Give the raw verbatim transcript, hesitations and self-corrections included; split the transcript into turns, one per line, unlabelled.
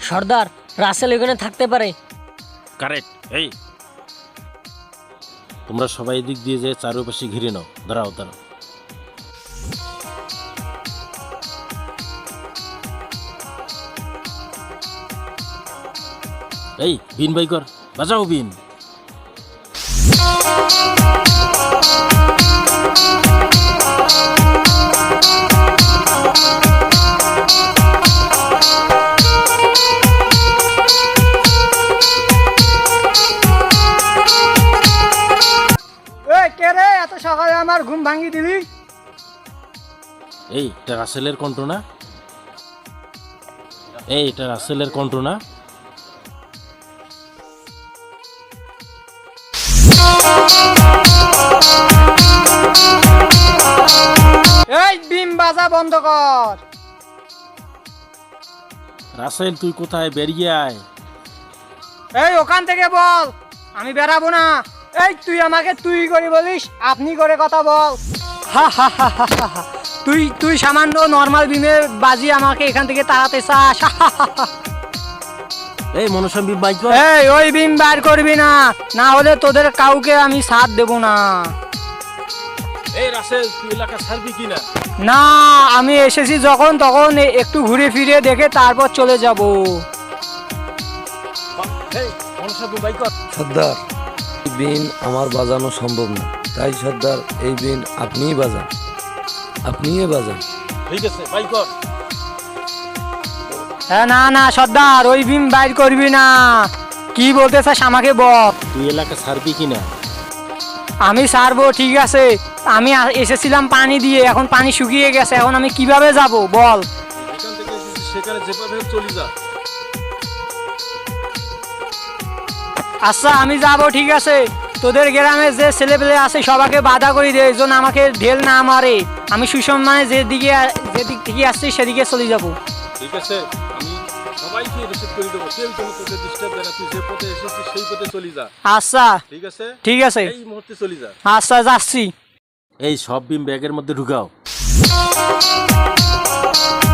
সর্দার, রাসেল এখানে থাকতে পারে।
কারেক্ট। এই তোমরা সবাই দিক দিয়ে যে চারপাশে ঘিরে নাও। দাঁড়াও দাঁড়াও। এই বিন বাই কর, বাজাও বিন।
কে রে, এত সকালে আমার ঘুম ভাঙি দিলি?
এই এটা রাসেলের কণ্ঠ না? এই এটা রাসেলের কণ্ঠ না?
এই বিম বাজা বন্ধ কর।
রাসেল তুই কোথায়? বেরিয়ে আয়।
এই ওখান থেকে বল, আমি বেরাবো না। এই তুই আমাকে তুই করে বলিস, আপনি করে কথা বল। হা হা হা হা হা হা। তুই তুই সামান্য নর্মাল বিমে বাজি আমাকে এখান থেকে তাড়াতে চাস? হা হা হা হা।
এই মনসাম বিন বাই কর।
এই ওই বিম বার করবি না, না হলে তোদের কাউকে আমি সাথ দেব না।
এই রাসেল তুই এলাকা ছাড়বি কিনা?
না, আমি এসেছি যখন তখন এ- একটু ঘুরে ফিরে দেখে তারপর চলে যাব।
এই মনসাম বিন বাই কর।
সর্দার, এই বিন আমার বাজানো সম্ভব না, তাই সর্দার এই বিন আপনিই বাজান, আপনিই বাজান।
ঠিক আছে, বাই কর।
হ্যাঁ, না না সর্দার, ওই বিম বাইর করবি না। কি বলতে চাস আমাকে বল।
তুই এলাকা ছাড়বি কিনা?
আমি ছাড়বো, ঠিক আছে। আমি আ- এসেছিলাম পানি দিয়ে, এখন পানি শুকিয়ে গেছে, এখন আমি কিভাবে যাব বল।
এখান থেকে এসেছিস সেখানে যেভাবে চলে যা।
আচ্ছা আমি যাব, ঠিক আছে। তোদের গ্রামে যে ছেলেপেলে আছে সবাইকে বাধা করে দে, যেন আমাকে ঢেল না মারে। আমি সুসম্মানে যেদিকে যেদিক থেকে আসছি সেদিকে চলে যাব।
ঠিক আছে, আমি সবাইকে রিসিভ করে দেবো। কেউ যেন তোকে ডিস্টার্ব দেয় না। তুই যে পথে এসেছিস সেই পথে চলে যা।
আচ্ছা
ঠিক আছে?
ঠিক আছে,
এই মুহূর্তে চলে যা।
আচ্ছা যাচ্ছি।
এই সব বিম ব্যাগের মধ্যে ঢুকাও।